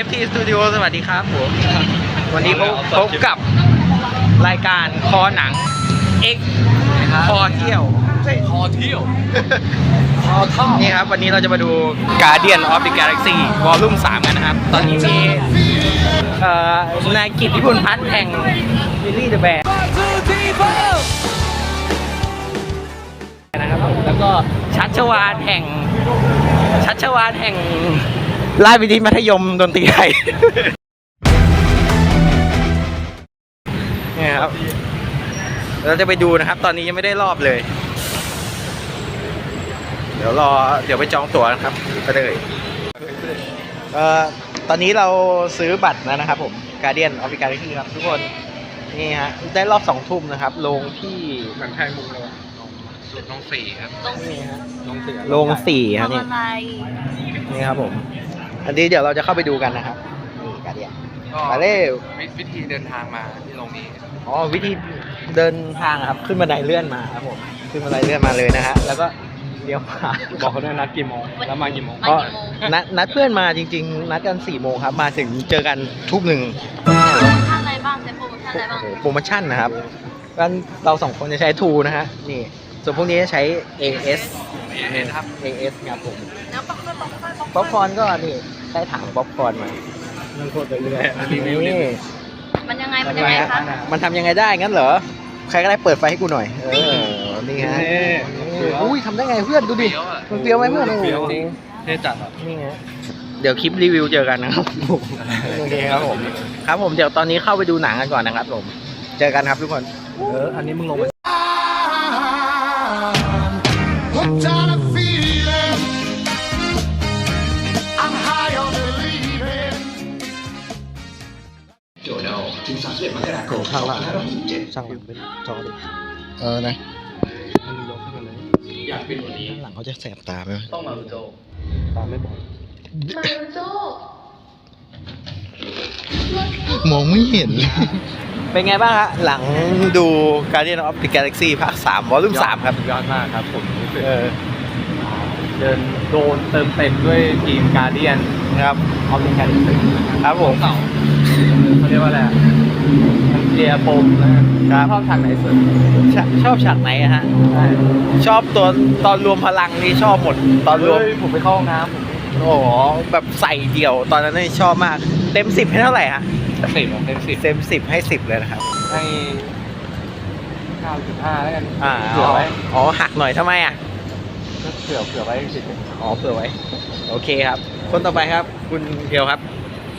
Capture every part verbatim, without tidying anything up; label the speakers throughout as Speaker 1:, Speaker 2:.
Speaker 1: เอฟ ที Studio สวัสดีครับผมวันนี้พบกับรายการคอหนัง X คอเที่ยว
Speaker 2: คอเที่ยว
Speaker 1: คอท่อนี่ครับวันนี้เราจะมาดู Guardian of the Galaxy Volume สามกันนะครับตอนนี้มีเอ่อนายกิตติพลพัฒน์แห่งวิลลี่เดอะแบร์นะครับผมแล้วก็ชัชวาลแห่งชัชวาลแห่งราชวิทยามัธยมดนตรีไทยนี่ครับเราจะไปดูนะครับตอนนี้ยังไม่ได้รอบเลยเดี๋ยวรอเดี๋ยวไปจองตั๋วนะครับไปเลยเอ่อตอนนี้เราซื้อบัตรแล้วนะครับผม Guardian of the Galaxy ครับทุกคนนี่ฮะได้รอบสองทุ่มนะครับลงที่
Speaker 2: หนังไทยมุงเราลงสี่ครับ
Speaker 1: นี่ฮะ
Speaker 2: ลงสี่
Speaker 1: ลงสี่ครับนี่นี่ครับผมอันนี้เดี๋ยวเราจะเข้าไปดูกันนะครับนี่ Guardian มาเร็ว
Speaker 2: วิธีเดินทางมาที่ลงนี้
Speaker 1: อ๋อวิธีเดินทางครับขึ้นบันไดเลื่อนมาครับผมขึ้นบันไดเลื่อนมาเลยนะฮะแล้วก็เดี๋ยวมา
Speaker 2: บอกเขาด้วยนัดกี่โมงแล้วมากี่โมง
Speaker 1: ก็นัดนัดเพื่อนมาจริงๆนัดกันสี่โมงครับมาถึงเจอกันทุ่มหนึ่ง
Speaker 3: โปรโมชั่นอะไรบ้างใช้โปรโมชั่นอะไรบ้าง
Speaker 1: โปรโมชั่นนะครับกันเราสองคนจะใช้ทูนะฮะนี่ส่วนพวกนี้จะใช้ เอ เอส
Speaker 2: เห็นครับ
Speaker 1: เอ เอส ครับผม
Speaker 3: แล้วป๊อปคอร์น
Speaker 1: ป๊อปคอร์นก็นี่ใช้ถังป๊อปคอร์นมา
Speaker 2: มันโคตรไปเรื่อย
Speaker 1: นี่
Speaker 3: มันยังไงมันยังไงคะ
Speaker 1: มันทำยังไงได้งั้นเหรอใครก็ได้เปิดไฟให้กูหน่อยเออนี่ฮะอุ้ยทำได้ไงเพื่อนดูดิมันเฟี้ยวไหมเพื่อนโอ้โห
Speaker 2: เท่จัดอ่ะ
Speaker 1: นี่ไงเดี๋ยวคลิปรีวิวเจอกันนะครับโอเคครับผมครับผมเดี๋ยวตอนนี้เข้าไปดูหนังกันก่อนนะครับผมเจอกันครับทุกคน
Speaker 2: เอออันนี้มึงลงไป
Speaker 1: ถึงสามสิบเอ็ดมกราคมข้างล่างช่างหลังเป็นจอดิเออนะ
Speaker 2: มันยกขึ้นมาเลยอยากเป็นวันนี้
Speaker 1: ข้างหลังเขาจะแสบตาไหม
Speaker 2: ต้องมาโจตาไม่บอด
Speaker 3: มาโจ
Speaker 1: มองไม่เห็นเป็นไงบ้างฮะหลังดู Guardian of the Galaxy ภาคสาม Volume สามครับ
Speaker 2: ยอดมากครับผมรู้สึกเดินโดนเติมเต็มด้วยทีม Guardian
Speaker 1: ครับ
Speaker 2: of the Galaxy
Speaker 1: ครับผม
Speaker 2: เขาเรียกว่าอะไรมันเคลียร์ปมนะครับชอบฉากไหนสุด
Speaker 1: ชอบฉากไหนฮะชอบตัวตอนรวมพลังนี่ชอบหมดตอนรวม
Speaker 2: ผมไปเข้าห้องน้ำ
Speaker 1: โอ้โหแบบใส่เดี่ยวตอนนั้นนี่ชอบมากเต็มสิบให้เท่าไหร่ฮะ
Speaker 2: สิบเต็มสิบ
Speaker 1: เต็มสิบให้สิบเลยนะครับ
Speaker 2: ให้เก้าจุดห้าแล้วกัน
Speaker 1: อ่าเผื่อไว้อ๋อหักหน่อยทำไมอ่ะ
Speaker 2: เผื่อเผื่อไว้สิ
Speaker 1: อ๋อเผื่อไว้โอเคครับคนต่อไปครับคุณเพียวครับ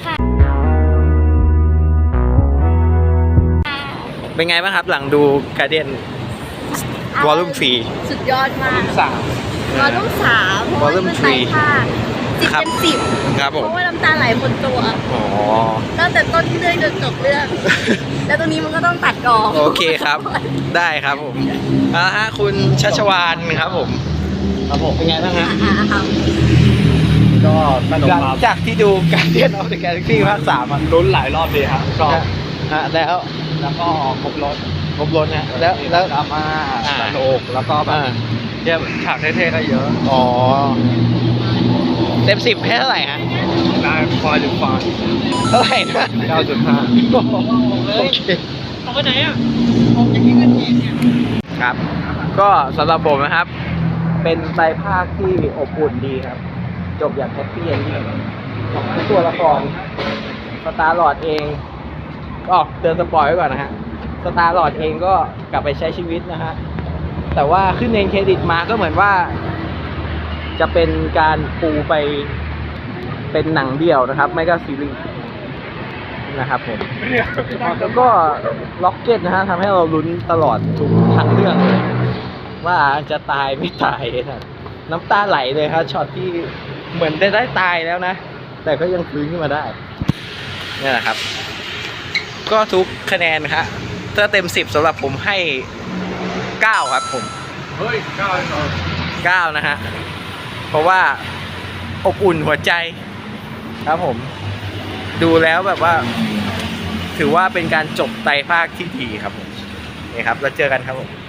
Speaker 1: เป็นไงบ้างครับหลังดู Guardian Volume สี่
Speaker 3: สุดยอดมาก
Speaker 1: สาม
Speaker 3: Volume สาม
Speaker 1: Volume สี่
Speaker 3: สิบเต็มสิบ
Speaker 1: ครับผม
Speaker 3: เพราะว่าน้ำตาไหลคนตัว
Speaker 1: อ๋อ
Speaker 3: ตั้งแต่ต้นเรื่องจนจบเรื่องแล้วตรงนี้มันก็ต้องตัดกอง
Speaker 1: โอเคครับได้ครับผมอ่าฮะคุณชัชวาลครับผมครับผมเป็นไงบ้างฮะ
Speaker 2: ก็
Speaker 1: หลังจากที่ดู Guardian of the Galaxy ภาคสาม
Speaker 2: ลุ้นหลายรอบดีครับชอบ
Speaker 1: ฮะแล้ว
Speaker 2: แล้วก็ครบรถ
Speaker 1: ครบรถนะแล้วแล้ว
Speaker 2: ดราม่าสนุกแล้วก็แบบเยี่ยมฉากเท่ๆก็เยอะ
Speaker 1: อ๋อเต็มสิบให้เท่าไหร่ฮะ
Speaker 2: ได้พอยหรือฟอย
Speaker 1: เท่าไหร่นะ
Speaker 2: เก้าจุดห้า
Speaker 1: โอเค
Speaker 3: เอาไปไหนอ่ะ
Speaker 1: ผมจะกินกันทีเนี่ยครับก็สำหรับผมนะครับเป็นไตรภาคที่อบอุ่นดีครับจบอย่างแฮปปี้เอนดิ้งทุกตัวละครสตาร์ลอร์ดเองก็เตือนสปอยไว้ก่อนนะฮะสตาร์ลอร์ดเองก็กลับไปใช้ชีวิตนะฮะแต่ว่าขึ้นเองเครดิตมาก็เหมือนว่าจะเป็นการปูไปเป็นหนังเดี่ยวนะครับไม่ก็ซีรีส์นะครับผมแล้วก็ล็อกเก็ตนะฮะทำให้เราลุ้นตลอดทุกทั้งเรื่องเลยว่าจะตายไม่ตายนะน้ำตาไหลเลยครับช็อตที่เหมือนได้ได้ตายแล้วนะแต่ก็ยังฟื้นขึ้นมาได้นี่แหละครับก็ทุกคะแนนครับถ้าเต็มสิบสำหรับผมให้เก้าครับผม
Speaker 2: เฮ้ยเก้าเหรอ
Speaker 1: เก้านะฮะเพราะว่าอบอุ่นหัวใจครับผมดูแล้วแบบว่าถือว่าเป็นการจบไตรภาคที่ดีครับผมนี่ครับแล้วเจอกันครับผม